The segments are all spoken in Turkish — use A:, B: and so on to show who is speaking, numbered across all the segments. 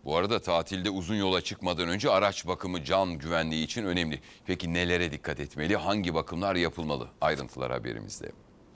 A: Bu arada tatilde uzun yola çıkmadan önce araç bakımı can güvenliği için önemli. Peki nelere dikkat etmeli? Hangi bakımlar yapılmalı? Ayrıntılar haberimizde.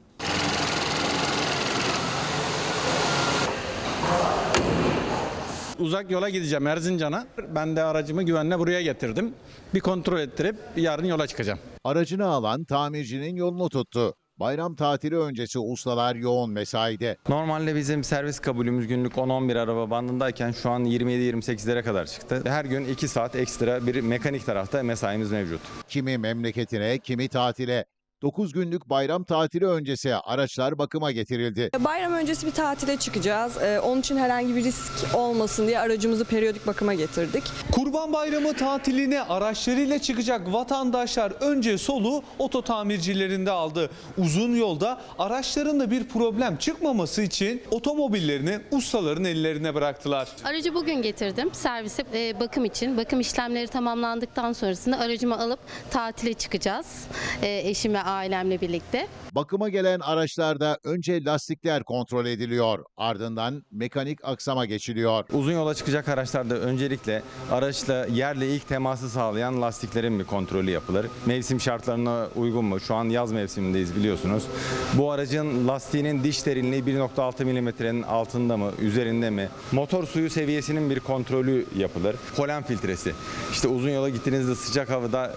B: Uzak yola gideceğim Erzincan'a. Ben de aracımı güvenle buraya getirdim. Bir kontrol ettirip yarın yola çıkacağım.
C: Aracını alan tamircinin yolunu tuttu. Bayram tatili öncesi ustalar yoğun mesaide.
B: Normalde bizim servis kabulümüz günlük 10-11 araba bandındayken şu an 27-28'lere kadar çıktı. Her gün 2 saat ekstra bir mekanik tarafta mesaimiz mevcut.
C: Kimi memleketine, kimi tatile. 9 günlük bayram tatili öncesi araçlar bakıma getirildi.
D: Bayram öncesi bir tatile çıkacağız. Onun için herhangi bir risk olmasın diye aracımızı periyodik bakıma getirdik.
E: Kurban Bayramı tatiline araçlarıyla çıkacak vatandaşlar önce soluğu oto tamircilerinde aldı. Uzun yolda araçlarında bir problem çıkmaması için otomobillerini ustaların ellerine bıraktılar.
F: Aracı bugün getirdim servise bakım için. Bakım işlemleri tamamlandıktan sonrasında aracımı alıp tatile çıkacağız. Eşim ve ailemle birlikte.
C: Bakıma gelen araçlarda önce lastikler kontrol ediliyor. Ardından mekanik aksama geçiliyor.
B: Uzun yola çıkacak araçlarda öncelikle araçla yerle ilk teması sağlayan lastiklerin bir kontrolü yapılır. Mevsim şartlarına uygun mu? Şu an yaz mevsimindeyiz biliyorsunuz. Bu aracın lastiğinin diş derinliği 1.6 milimetrenin altında mı, üzerinde mi? Motor suyu seviyesinin bir kontrolü yapılır. Polen filtresi. İşte uzun yola gittiğinizde sıcak havada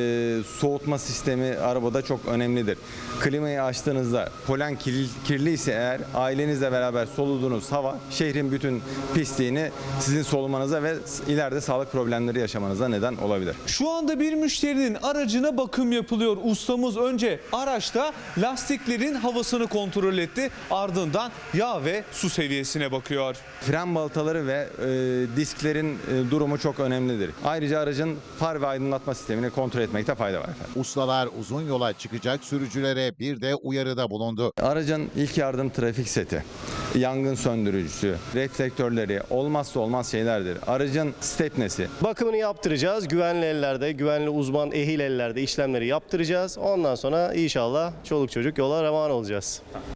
B: soğutma sistemi arabada çok önemlidir. Klimayı açtığınızda polen kirliyse eğer ailenizle beraber soluduğunuz hava şehrin bütün pisliğini sizin solumanıza ve ileride sağlık problemleri yaşamanıza neden olabilir.
E: Şu anda bir müşterinin aracına bakım yapılıyor. Ustamız önce araçta lastiklerin havasını kontrol etti. Ardından yağ ve su seviyesine bakıyor.
B: Fren balataları ve disklerin durumu çok önemlidir. Ayrıca aracın far ve aydınlatma sistemini kontrol etmekte fayda var efendim.
C: Ustalar uzun yola çıkacak sürücülere bir de uyarıda bulundu.
B: Aracın ilk yardım trafik seti, yangın söndürücüsü, reflektörleri olmazsa olmaz şeylerdir. Aracın stepnesi.
G: Bakımını yaptıracağız. Güvenli ellerde, güvenli uzman, ehil ellerde işlemleri yaptıracağız. Ondan sonra inşallah çoluk çocuk yola revan olacağız.